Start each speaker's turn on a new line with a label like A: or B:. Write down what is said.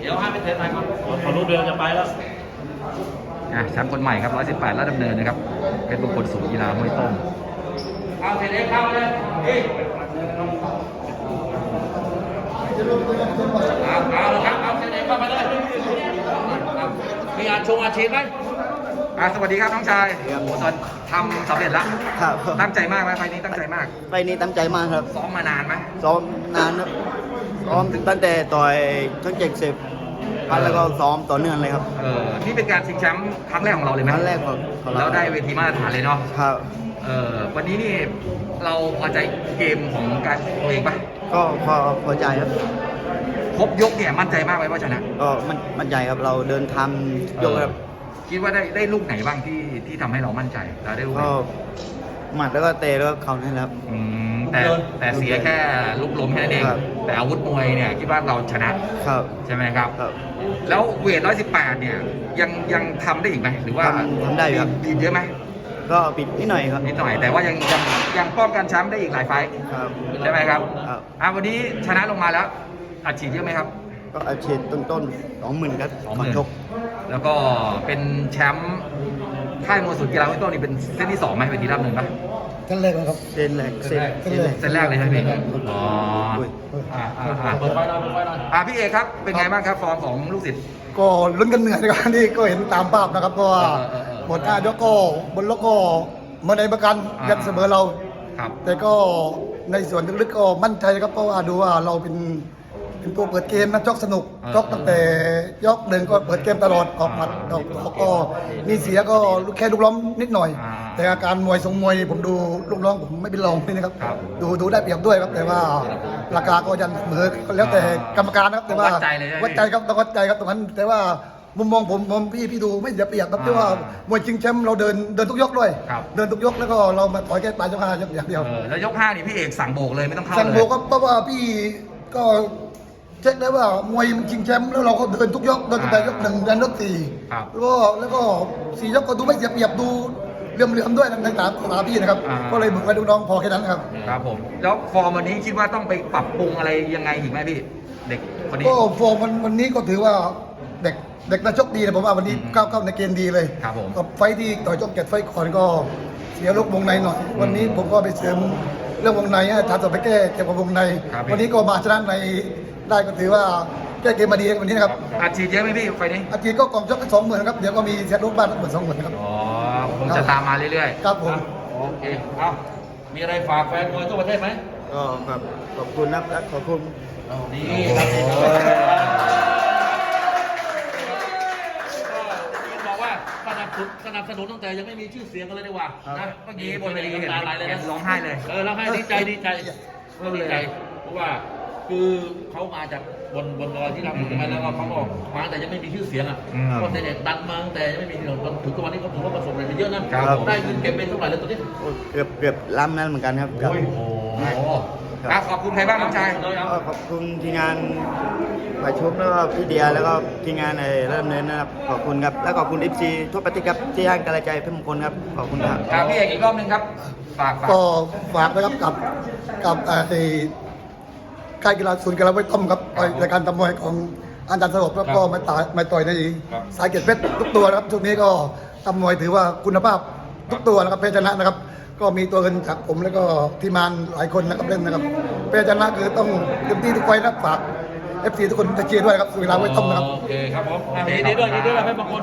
A: เดี๋ยวให้ไปเทสไทยก่อน
B: ขอรูปเดียวจะไปแล้ว
C: แชมป์คนใหม่ครับ118ราชดำเนินนะครับเป็นบุคคลสูงกีฬาห้วยต้ม
A: เอาเทสเข้าเลยนี่เอาเลยครับเอาเทสเข้ามาเลยมีอาชงอาชีพไหม
C: สวัสดีครับน้องชายโอ้โหตอนทำสำเร็จแล้ว
D: ครับ
C: ตั้งใจมากไหมไฟล์นี้ตั้งใจมาก
D: ไปนี้ตั้งใจมากครับ
C: ซ้อมมานานไหม
D: ซ้อมนานครับซ้อมตั้งแต่ต่อยทั้ง70พันแล้วก็ซ้อมต่อเนื่องเลยครับ
C: นี่เป็นการชิงแชมป์ครั้งแรกของเราเลยไหม
D: ครั้งแรกของเรา
C: แล้วได้เวทีมาตรฐานเลยเนาะ
D: ครับ
C: วันนี้นี่เราพอใจเกมของการตัวเองปะ
D: ก็พอใจครับ
C: ครบยกเนี่ยมั่นใจมากไหมว่าชนะ
D: ก็มั่นใจครับเราเดินทำยกครับ
C: คิดว่าได้ลูกไหนบ้างที่ทำให้เรามั่นใจเราได้ลูกไหน
D: ก็หมัดแล้วก็เตะแล้วก็เข่านี่แหละครับ
C: แต่เสียแค่ลูกล้มแค่นั้นเอง
D: ครับ
C: แต่อาวุธมวยเนี่ยคิดว่าเราชนะครับ ใช่ไหมครับ
D: ครับ
C: แล้วเวท118เนี่ยยังทำได้อีกไหมหรือว่า
D: ทำได้อยู่ครับ
C: ผิดเยอะไหม
D: ก็ปิดนิดหน่อยครับ
C: นิดหน่อยแต่ว่ายังป้องกันแชมป์ได้อีกหลายไฟต์
D: ครับ
C: ใช่ไหมครับ
D: ครับ
C: วันนี้ชนะลงมาแล้วอัดฉีดเยอะไหมครับ
D: ก็อาชีพต้นๆ20,000ครับก่อนชก
C: แล้วก็เป็นแชมป์ค่ายมวยสุดกีฬาห้วยต้นนี่เป็นเส้นที่2ไหมเวทีรับหนึ่งปะ
E: ขั้นแรกนะครับ
D: เส้นแรกเส้นแรก
C: เส้นแรกเลยใช่ไหมพี่อ๋อ
D: อุ้ย
A: เปิดไฟหน่อยเปิดไฟหน่อย
C: พี่เอกครับเป็นไงบ้างครับฟอร์มของลูกศิษย์
E: ก็ลุ้นกันเหนื่อยนะครับนี่ก็เห็นตามภาพนะครับเพราะว่า หมด5ยกก็บนล็อกก็มาในประกันยันเสมอเรา
C: ครับ
E: แต่ก็ในส่วนลึกๆก็มั่นใจครับเพราะว่าดูว่าเราเป็นตัวเปิดเกมนะจอกสนุกจอกตั้งแต่ยกหนึ่งก็เปิดเกมตลอดออกหมัดออกก็มีเสียก็แค่ลูกล้อมนิดหน่อย แต่อาการมวยทรงมวยนี่ผมดูลูกน้องผมไม่เป็นรองเลยนะครับดูได้เปรียบด้วยครับแต่ว่าราคาก็ยันเสมอแล้วแต่กรรมการนะครับแต่ว่า
C: วัดใจเลยใช่ไหม
E: วัดใจครับต้องวัดใจครับตรงนั้นแต่ว่ามุมมองผมพี่ดูไม่เสียเปรียบครับที่ว่ามวยชิงแชมป์เราเดินทุกยกด้วย
C: ครับ
E: เดินทุกยกแล้วก็เรามาต่อยแค่ปลายยก5ยกอย่างเดียว
C: แล้วยก5นี่พี่เอกสั่งโบกเลยไม่ต้องเข้าเลย
E: สั่งโบกก็เพราะว่าพี่ก็เช็คได้ว่ามวยมันชิงแชมป์แล้วเราก็เดินทุกยกเดินตั้งแต่ยก1ยันยก4
C: ครับ
E: แล้วก็4 ยกก็ดูไม่เสียเปรียบดูเหลื่อมๆด้วยในตาพี่นะครับก็เลยบุกไปดูน้องพอแค่นั้นครับ
C: ครับผมแล้วฟอร์มวันนี้คิดว่าต้องไปปรับปรุงอะไรยังไงอีกไหมพี่เด็กคนนี้
E: ก็โฟมวันนี้ก็ถือว่าเด็กนักชกดีนะผมว่าวันนี้ก้าวเข้าในเกณฑ์ดีเลย
C: ครับผม
E: กับไฟท์ที่ต่อยจบ7 ไฟท์ก่อนก็เสียลูกวงในหน่อย วันนี้ผมก็ไปเสริมเรื่องวงในให้ทานต่อไปแก้เกี่ยวกับวงใน วันนี้ก็มาชนะในได้ก็ถือว่าแก้เกมมาดีวันนี้นะครับ
C: อัดฉีดเยอะไหมพี่ไฟนี้
E: อาทิตย์ก็กองชกกัน20,000ครับเดี๋ยวก็มีเสียลูกบ้านทั้งหมด20,000ครับ
C: อ๋อคงจะตามมาเรื่อย
E: ครับผม
A: โอเคเอามีอะไรฝากแฟนมวยทั่วประเทศไหม
D: ก็ครับขอบคุณนะครับและขอบคุณ
A: นี่ครับนี่ครับบอกว่าสนับสนุนตั้งแต่ยังไม่มีชื่อเสียงกันเลยดีกว่านะ
C: เมื่อกี้บนเวทีเห็น
A: น้ำตาไหลเลยนะ
C: ร้องไห้เลย
A: ร้องไห้ดีใจดีใจเพราะว่าคือเขามาจากบนดอยที่เราอยู่มาแล้วก็เขาบอกมาแต่ยังไม่มีชื่อเสียงอ่ะก็เด็กดันมาตั้งแต่ยังไม่มีที่เราถึงทุกวันนี้เขาถือว่าประสบอะไรไปเยอะนะได้เงินเก็บเป็นเท่าไหร่แล้วตอนนี้
D: เกือบล้ำนั้นเหมือนกันครับ
C: โอ้โหครับขอบคุณใครบ้างน้องชาย
D: ก็ขอบคุณทีมงานฝ่ายชุบแล้วก็พี่เดียแล้วก็ทีมงานในเริ่มเนินนะครับขอบคุณครับแล้วขอบคุณ FC ทั่วประเทศครับที่ให้กำลังใจเพื่อนมงคลครับขอบคุณครับ
C: ครับพี่เอกอีกรอบหนึงครับฝาก
E: ก็ฝากนะครับกับค่ายกีฬาศูนย์กีฬาไว้ต้มครับรายการตำมวยของอาจารย์สลบแล้วก็มาต่อยในสายเกียรติเพชรทุกตัวนะครับช่วงนี้ก็ตำมวยถือว่าคุณภาพทุกตัวนะครับเพชรชนะนะครับ ก็มีตัวเงินจากผมแล้วก็ทีมงานหลายคนนะครับเล่นนะครับเพชรชนะคือต้องเต็มที่ทุกไฟนะครับฝาก FC ทุกคนจะเชียร์ด้วยครับสุวิลาไว้ต้มนะครับ
A: โอเคครับผมดีด้วยให้บางคน